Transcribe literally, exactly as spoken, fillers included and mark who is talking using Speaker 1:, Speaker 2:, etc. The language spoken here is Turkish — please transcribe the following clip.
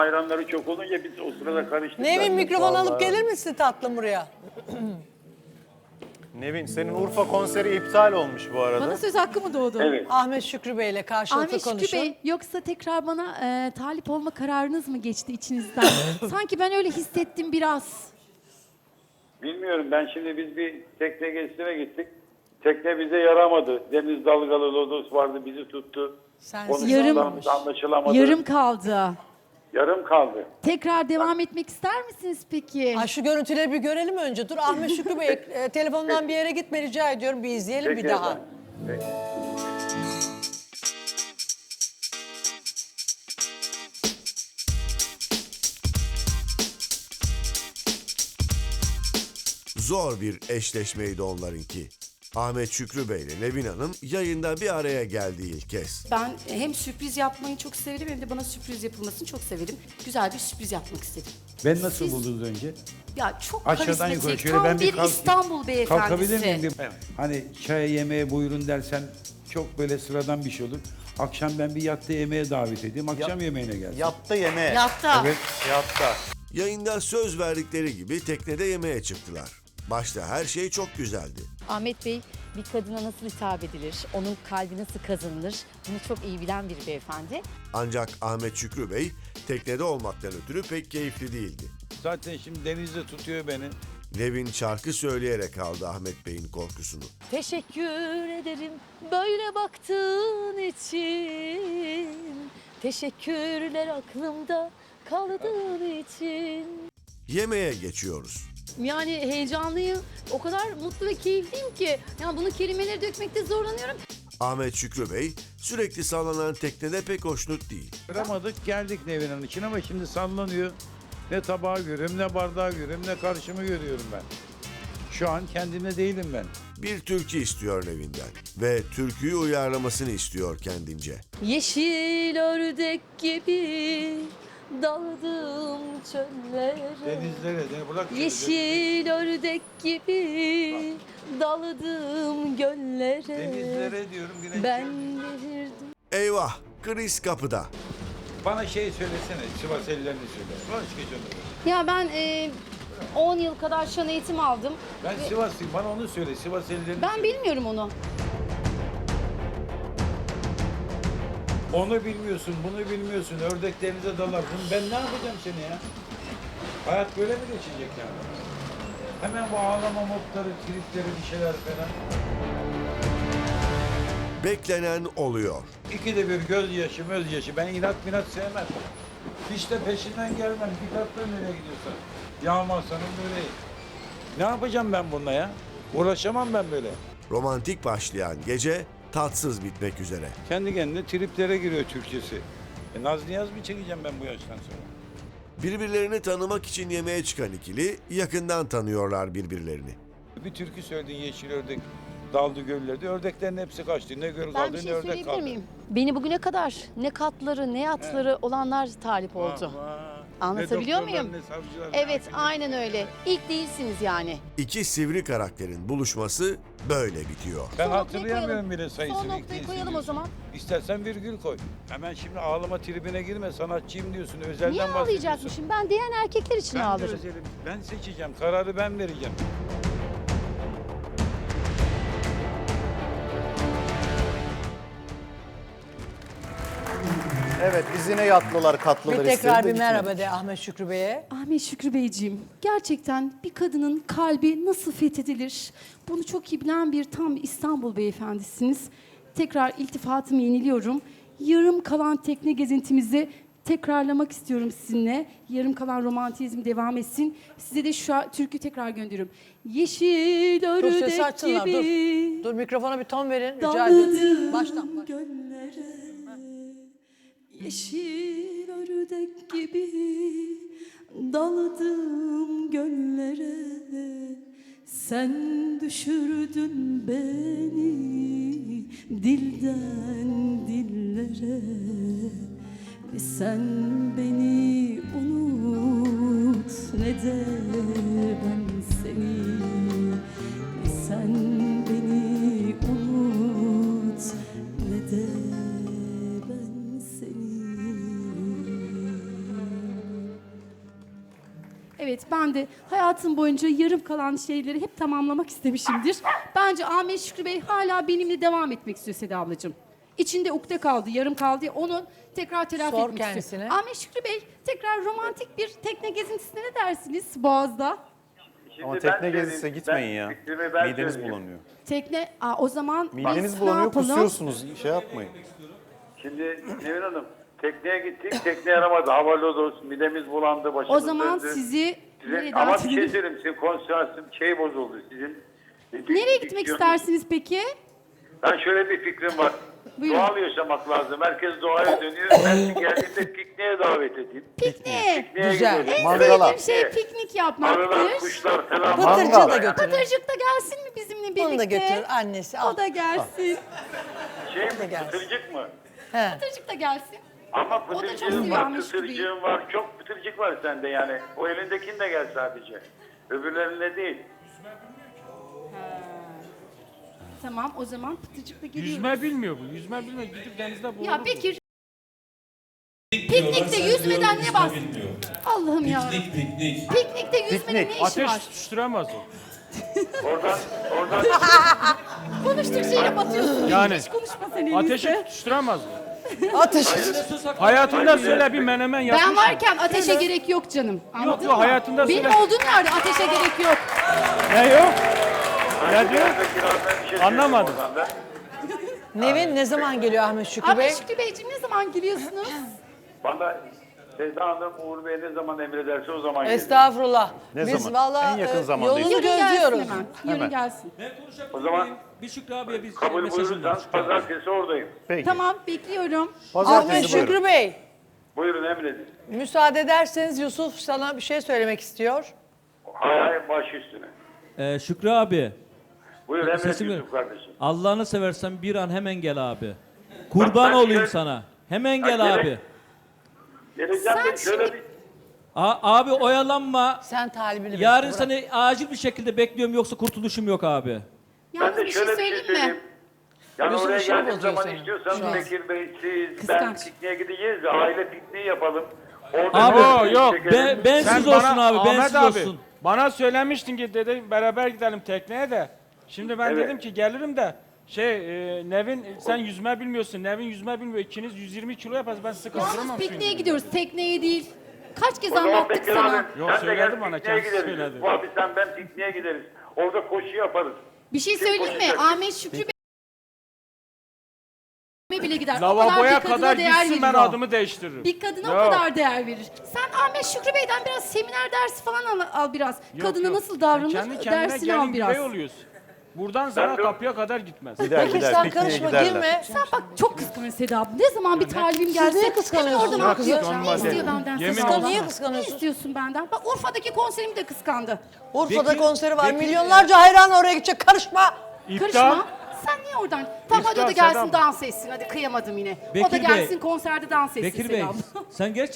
Speaker 1: Hayranları çok olunca biz o sırada karıştık.
Speaker 2: Nevin mikrofon alıp gelir misin tatlım buraya?
Speaker 3: Nevin, senin Urfa konseri iptal olmuş bu arada.
Speaker 4: Bana söz hakkı mı doğdu?
Speaker 1: Evet.
Speaker 2: Ahmet Şükrü Bey ile karşılıklı
Speaker 4: Ahmet
Speaker 2: konuşun.
Speaker 4: Şükrü Bey, yoksa tekrar bana e, talip olma kararınız mı geçti içinizden? Sanki ben öyle hissettim biraz.
Speaker 1: Bilmiyorum, ben şimdi biz bir tekne gezisine gittik. Tekne bize yaramadı. Deniz dalgalı, lodos vardı, bizi tuttu.
Speaker 2: Sensiz
Speaker 4: Yarım-
Speaker 2: olmamış.
Speaker 1: Anlaşılamadı.
Speaker 4: Yarım kaldı.
Speaker 1: Yarım kaldı.
Speaker 4: Tekrar devam etmek ister misiniz peki?
Speaker 2: Ay şu görüntüleri bir görelim önce. Dur Ahmet Şükrü Bey e, telefondan bir yere gitme rica ediyorum. Bir izleyelim
Speaker 1: Peki
Speaker 2: bir daha.
Speaker 1: efendim. Peki.
Speaker 5: Zor bir eşleşmeydi onlarınki. Ahmet Şükrü Bey ile Nevin Hanım yayında bir araya geldi ilk kez.
Speaker 6: Ben hem sürpriz yapmayı çok severim hem de bana sürpriz yapılmasını çok severim. Güzel bir sürpriz yapmak istedim.
Speaker 7: Ben nasıl
Speaker 6: Siz-
Speaker 7: buldunuz önce?
Speaker 6: Ya çok
Speaker 7: Aşağıdan yukarı
Speaker 6: karizmatik,
Speaker 7: şöyle
Speaker 6: tam
Speaker 7: ben bir
Speaker 6: bir
Speaker 7: kalk-
Speaker 6: İstanbul beyefendisi.
Speaker 7: Kalkabilir miyim? Bir- Hani çaya yemeğe buyurun dersen çok böyle sıradan bir şey olur. Akşam ben bir yatta yemeğe davet edeyim. Akşam yemeğine gelsin.
Speaker 3: Yatta yemeğe.
Speaker 6: Yatta.
Speaker 7: Evet.
Speaker 3: Yatta.
Speaker 5: Yayında söz verdikleri gibi teknede yemeğe çıktılar. Başta her şey çok güzeldi.
Speaker 8: Ahmet Bey bir kadına nasıl hitap edilir, onun kalbi nasıl kazanılır bunu çok iyi bilen bir beyefendi.
Speaker 5: Ancak Ahmet Şükrü Bey teknede olmaktan ötürü pek keyifli değildi.
Speaker 7: Zaten şimdi denizde tutuyor beni.
Speaker 5: Nevin şarkı söyleyerek aldı Ahmet Bey'in korkusunu.
Speaker 8: Teşekkür ederim böyle baktığın için. Teşekkürler aklımda kaldığın için.
Speaker 5: Yemeğe geçiyoruz.
Speaker 4: Yani heyecanlıyım. O kadar mutlu ve keyifliyim ki. Yani bunu kelimeleri dökmekte zorlanıyorum.
Speaker 5: Ahmet Şükrü Bey sürekli sallanan teknede pek hoşnut değil.
Speaker 7: Kıramadık geldik Nevin Hanım için ama şimdi sallanıyor. Ne tabağı görüyorum, ne bardağı görüyorum, ne karşımı görüyorum ben. Şu an kendimde değilim ben.
Speaker 5: Bir türkü istiyor Nevin'den ve türküyü uyarlamasını istiyor kendince.
Speaker 8: Yeşil ördek gibi daldım çöllere.
Speaker 7: Denizlere, de bırak.
Speaker 8: Yeşil ördek gibi daldım göllere.
Speaker 7: Denizlere diyorum. güneşe.
Speaker 8: Ben delirdim.
Speaker 5: Eyvah, kriz kapıda.
Speaker 7: Bana şey söylesene, Sivas ellerini söyle. Başka canım.
Speaker 4: Ya ben e, on yıl kadar şan eğitim aldım.
Speaker 7: Ben Sivaslıyım, bana onu söyle. Sivas ellerini
Speaker 4: Ben
Speaker 7: söyle.
Speaker 4: bilmiyorum onu.
Speaker 7: Onu bilmiyorsun, bunu bilmiyorsun. Ördek denize dalar. Bunu ben ne yapacağım seni ya? Hayat böyle mi geçecek yani? Hemen bu ağlama modları, tripleri, bir şeyler falan.
Speaker 5: Beklenen oluyor.
Speaker 7: İkide bir gözyaşı, mözyaşı. Ben inat minat sevmem. Hiç de peşinden gelmem. Dikkatli nereye gidiyorsan. Yağmazsanın böyle. Ne yapacağım ben bununla ya? Uğraşamam ben böyle.
Speaker 5: Romantik başlayan gece tatsız bitmek üzere.
Speaker 7: Kendi kendine triplere giriyor Türkçesi. E, Naz Niyaz mı çekeceğim ben bu yaştan sonra?
Speaker 5: Birbirlerini tanımak için yemeğe çıkan ikili yakından tanıyorlar birbirlerini.
Speaker 7: Bir türkü söyledin yeşil ördek daldı göllerde. Ördeklerin hepsi kaçtı. Ne göl
Speaker 4: Ben
Speaker 7: kaldı
Speaker 4: bir
Speaker 7: ne
Speaker 4: şey
Speaker 7: ördek
Speaker 4: söyleyebilir
Speaker 7: kaldı.
Speaker 4: miyim?
Speaker 8: Beni bugüne kadar ne katları ne yatları olanlar talip oldu.
Speaker 7: Vah, vah.
Speaker 8: Anlatabiliyor
Speaker 7: Ne doktorlar,
Speaker 8: muyum?
Speaker 7: ne savcılar, ne
Speaker 8: Evet
Speaker 7: hakimler.
Speaker 8: aynen öyle. İlk değilsiniz yani.
Speaker 5: İki sivri karakterin buluşması böyle bitiyor.
Speaker 7: Ben
Speaker 4: Son noktayı
Speaker 7: hatırlayamıyorum
Speaker 4: koyalım.
Speaker 7: bile sayısını.
Speaker 4: Son
Speaker 7: ilk
Speaker 4: noktayı
Speaker 7: değilsin
Speaker 4: koyalım o
Speaker 7: diyorsun.
Speaker 4: zaman.
Speaker 7: İstersen virgül koy. Hemen şimdi ağlama tribine girme. Sanatçıyım diyorsun. Özelden
Speaker 8: Niye
Speaker 7: bahsediyorsun.
Speaker 8: ağlayacakmışım? Ben diyen erkekler için
Speaker 7: Ben de
Speaker 8: ağlarım.
Speaker 7: özelim. Ben seçeceğim. Kararı ben vereceğim.
Speaker 3: Evet, izine yatlılar, katlılar
Speaker 2: Bir tekrar
Speaker 3: istedi de
Speaker 2: bir
Speaker 3: gitmedi.
Speaker 2: merhaba de Ahmet Şükrü Bey'e.
Speaker 4: Ahmet Şükrü Beyciğim, gerçekten bir kadının kalbi nasıl fethedilir? Bunu çok iyi bilen bir tam İstanbul beyefendisiniz. Tekrar iltifatımı yeniliyorum. Yarım kalan tekne gezintimizi tekrarlamak istiyorum sizinle. Yarım kalan romantizm devam etsin. Size de şu an türkü tekrar gönderiyorum. Yeşil
Speaker 2: Dur ses
Speaker 4: ördek
Speaker 2: açsınlar dur.
Speaker 4: gibi
Speaker 2: Dur mikrofona bir ton verin rica ediyorum.
Speaker 4: daldım
Speaker 2: Baştan baş.
Speaker 4: göllere. Yeşil ördek gibi daladım göllere. Sen düşürdün beni dilden dillere. Ve sen beni unut ne de ben seni. Ve sen beni unut ne de ben seni. Evet, ben de hayatım boyunca yarım kalan şeyleri hep tamamlamak istemişimdir. Bence Ahmet Şükrü Bey hala benimle devam etmek istiyor Seda ablacığım. İçinde ukde kaldı, yarım kaldı. Onu tekrar telafi
Speaker 2: Sor
Speaker 4: etmek
Speaker 2: kendisine.
Speaker 4: istiyor. Ahmet Şükrü Bey, tekrar romantik bir tekne gezintisine ne dersiniz Boğaz'da?
Speaker 1: Şimdi
Speaker 3: Ama
Speaker 1: ben
Speaker 3: tekne
Speaker 1: söyleyeyim,
Speaker 3: gezisine
Speaker 1: ben
Speaker 3: gitmeyin ya.
Speaker 1: fikrimi ben
Speaker 3: Mideniz
Speaker 1: söyleyeyim.
Speaker 3: bulanıyor.
Speaker 4: Tekne, aa, o zaman
Speaker 3: Mideniz
Speaker 4: biz ne
Speaker 3: bulanıyor,
Speaker 4: yapalım?
Speaker 3: kusuyorsunuz. Şey yapmayın.
Speaker 1: Şimdi Nevin Hanım, tekneye gittik, tekne yaramadı. Hava lodos, midemiz bulandı, başımız
Speaker 4: O zaman
Speaker 1: döndü.
Speaker 4: sizi
Speaker 1: Sizin,
Speaker 4: nereye
Speaker 1: ama
Speaker 4: davet
Speaker 1: bir şey
Speaker 4: edelim?
Speaker 1: söyleyeyim, sizin konsantrasyon şey bozuldu sizin.
Speaker 4: Nereye gitmek istersiniz peki?
Speaker 1: Ben şöyle bir fikrim var.
Speaker 4: Buyurun.
Speaker 1: Doğal yaşamak lazım. Herkes doğaya dönüyor. Ben geldiğimde pikniğe davet edeyim.
Speaker 4: Pikniğe.
Speaker 1: Pikniğe
Speaker 2: Güzel.
Speaker 1: gidelim.
Speaker 4: En
Speaker 3: Mangala.
Speaker 4: sevdiğim şey piknik yapmaktır.
Speaker 1: Arılar, kuşlar falan.
Speaker 2: Pıtırcı
Speaker 3: Mangal.
Speaker 2: da götürün.
Speaker 4: Pıtırcık da gelsin mi bizimle birlikte?
Speaker 2: Onu da götür annesi. Al.
Speaker 4: O da gelsin.
Speaker 1: Şey mi,
Speaker 2: gelsin.
Speaker 1: pıtırcık mı?
Speaker 2: He.
Speaker 4: Pıtırcık da gelsin.
Speaker 1: Ama
Speaker 4: O da çok
Speaker 1: pıtırcığın
Speaker 4: seviyor
Speaker 1: var,
Speaker 4: Ahmet Şükrü'yü.
Speaker 1: pıtırcığın var. Çok pıtırcık var sende yani. O elindekini de gel sadece. Öbürlerine değil.
Speaker 4: Tamam, o zaman pıtırcık da geliyor.
Speaker 9: Yüzme bilmiyor bu. Yüzme bilmiyor. Gidip denizde boğulur.
Speaker 4: Ya Bekir, piknikte yüzmeden ne bas? Allah'ım ya.
Speaker 10: Piknik, piknik.
Speaker 4: Piknikte yüzmenin ne işi
Speaker 9: Ateş
Speaker 4: var?
Speaker 9: tutuşturamaz o.
Speaker 1: Oradan, oradan
Speaker 4: Konuştuk şeyle batıyorsun.
Speaker 9: Yani.
Speaker 4: Hiç konuşma sen en
Speaker 9: Ateşi
Speaker 4: iyisi.
Speaker 9: tutuşturamaz o.
Speaker 2: Ateş.
Speaker 9: Hayatında söyle bir menemen yapmış.
Speaker 4: Ben
Speaker 9: mı?
Speaker 4: varken ateşe gerek yok canım. Anladın
Speaker 9: yok,
Speaker 4: mı?
Speaker 9: hayatında
Speaker 4: Benim
Speaker 9: söyle.
Speaker 4: olduğum yerde ateşe gerek yok.
Speaker 9: Ne yok? Ne diyor?
Speaker 1: bir şey
Speaker 9: Anlamadım.
Speaker 1: söyleyeyim oradan ben.
Speaker 2: Nevin ne zaman geliyor Ahmet Şükrü Bey?
Speaker 4: Ahmet Şükrü Beyciğim ne zaman geliyorsunuz?
Speaker 1: Bana Sevda Hanım Uğur Bey ne zaman emrederse o zaman gelir.
Speaker 2: Estağfurullah.
Speaker 3: Ne
Speaker 2: Biz
Speaker 3: zaman?
Speaker 2: valla
Speaker 3: En yakın
Speaker 2: e,
Speaker 3: zamanda
Speaker 2: yolunu
Speaker 3: işte.
Speaker 4: Yarın gelsin
Speaker 2: gözlüyoruz.
Speaker 4: hemen. Yarın
Speaker 3: Hemen.
Speaker 4: gelsin.
Speaker 1: O zaman
Speaker 9: Bir Şükrü abiye biz
Speaker 1: kabul
Speaker 9: mesajını
Speaker 1: buyurursanız pazartesi oradayım.
Speaker 3: Peki.
Speaker 4: Tamam, bekliyorum.
Speaker 2: Ahmet
Speaker 3: Pazartesi buyurun.
Speaker 2: Şükrü Bey,
Speaker 1: Buyurun emredin.
Speaker 2: müsaade ederseniz Yusuf sana bir şey söylemek istiyor.
Speaker 1: Hay hay baş üstüne.
Speaker 10: Ee, Şükrü abi,
Speaker 1: Buyur emret
Speaker 10: Sesimi-
Speaker 1: Yusuf kardeşim.
Speaker 10: Allah'ını seversen bir an hemen gel abi. Kurban
Speaker 1: ben
Speaker 10: olayım
Speaker 1: şöyle-
Speaker 10: sana. Hemen
Speaker 1: Bak,
Speaker 10: gel
Speaker 1: gerek-
Speaker 10: abi.
Speaker 1: Geleceğim
Speaker 4: Sen
Speaker 1: de şöyle
Speaker 4: şimdi-
Speaker 1: bir...
Speaker 10: A- abi oyalanma.
Speaker 2: Sen talibini
Speaker 10: Yarın
Speaker 2: bekle, bırak.
Speaker 10: seni acil bir şekilde bekliyorum yoksa kurtuluşum yok abi.
Speaker 4: Yalnız
Speaker 1: Ben de
Speaker 4: bir şey
Speaker 1: şöyle bir şey
Speaker 4: söyleyeyim
Speaker 1: söyleyeyim.
Speaker 4: mi?
Speaker 1: Yani
Speaker 2: Yusuf
Speaker 1: oraya
Speaker 2: bir şey
Speaker 1: geldiğim
Speaker 2: bozuyor
Speaker 1: zaman
Speaker 2: seni.
Speaker 1: istiyorsanız
Speaker 2: Şu an.
Speaker 1: Bekir Bey, siz, ben
Speaker 4: Kıskanç.
Speaker 1: pikniğe gideceğiz de aile pikniği yapalım. Orada
Speaker 10: Abi,
Speaker 1: bir
Speaker 9: yok,
Speaker 1: çekelim.
Speaker 10: Ben, bensiz
Speaker 9: Sen
Speaker 10: olsun
Speaker 9: bana-
Speaker 10: abi,
Speaker 9: Ahmet
Speaker 10: bensiz
Speaker 9: abi,
Speaker 10: olsun.
Speaker 9: Bana söylemiştin ki dedi beraber gidelim tekneye de. Şimdi ben
Speaker 1: Evet.
Speaker 9: dedim ki gelirim de şey e, Nevin sen yüzme bilmiyorsun. Nevin yüzme bilmiyor. İkiniz yüz yirmi kilo yaparız. Ben sizi
Speaker 4: Yalnız
Speaker 9: kaldıramam
Speaker 4: pikniğe
Speaker 9: şimdi.
Speaker 4: gidiyoruz, tekneye değil. Kaç kez
Speaker 1: O zaman
Speaker 4: anlattık
Speaker 1: Bekir
Speaker 4: sana.
Speaker 1: abi,
Speaker 9: Yok,
Speaker 1: sen de
Speaker 9: söyledi
Speaker 1: gel
Speaker 9: bana,
Speaker 1: pikniğe
Speaker 9: kendisi
Speaker 1: gideriz.
Speaker 9: söyledi.
Speaker 1: Bu abi sen ben pikniğe gideriz. Orada koşu yaparız.
Speaker 4: Bir şey
Speaker 1: Kim
Speaker 4: söyleyeyim mi?
Speaker 1: konuşacak?
Speaker 4: Ahmet Şükrü Bey bile gider. O
Speaker 9: Lavaboya
Speaker 4: bir kadına
Speaker 9: kadar
Speaker 4: değer
Speaker 9: gitsin
Speaker 4: verir
Speaker 9: ben
Speaker 4: o.
Speaker 9: adımı değiştiririm.
Speaker 4: Bir kadına o
Speaker 9: Yok.
Speaker 4: kadar değer verir. Sen Ahmet Şükrü Bey'den biraz seminer dersi falan al, al biraz.
Speaker 9: Yok,
Speaker 4: Kadına
Speaker 9: yok.
Speaker 4: nasıl
Speaker 9: Sen
Speaker 4: davranır
Speaker 9: kendi kendine
Speaker 4: dersini al
Speaker 9: gelin
Speaker 4: biraz.
Speaker 9: birey oluyorsun. Buradan sana
Speaker 1: de-
Speaker 9: kapıya kadar gitmez.
Speaker 3: Gider
Speaker 2: Peki
Speaker 3: gider
Speaker 2: sen
Speaker 3: pikniğe
Speaker 2: karışma,
Speaker 3: giderler.
Speaker 2: girme.
Speaker 4: Sen bak çok kıskanıyorsun Seda abla. Ne zaman bir talibim gelse
Speaker 2: niye kıskanıyorsun?
Speaker 4: hemen oradan
Speaker 2: Ya
Speaker 4: atlıyor.
Speaker 9: kıskanma
Speaker 4: Ne istiyor
Speaker 9: dedim.
Speaker 4: benden
Speaker 9: Yemin
Speaker 4: Seda
Speaker 9: olsun.
Speaker 4: abla?
Speaker 2: Niye
Speaker 4: Ne
Speaker 2: kıskanıyorsun?
Speaker 4: istiyorsun benden? Bak Urfa'daki konserimi de kıskandı.
Speaker 2: Urfa'da
Speaker 10: Peki-
Speaker 2: konseri var.
Speaker 10: peki-
Speaker 2: Milyonlarca hayran oraya gidecek. Karışma.
Speaker 9: İptal.
Speaker 4: Karışma. Sen niye oradan? Tamam hadi o da
Speaker 9: İptal
Speaker 4: gelsin
Speaker 9: Seda abla.
Speaker 4: dans etsin. Hadi kıyamadım yine. o da
Speaker 10: Bekir Bey,
Speaker 4: gelsin konserde dans etsin
Speaker 10: Bekir
Speaker 4: Seda
Speaker 10: Bey,
Speaker 4: abla.
Speaker 10: sen gerçekten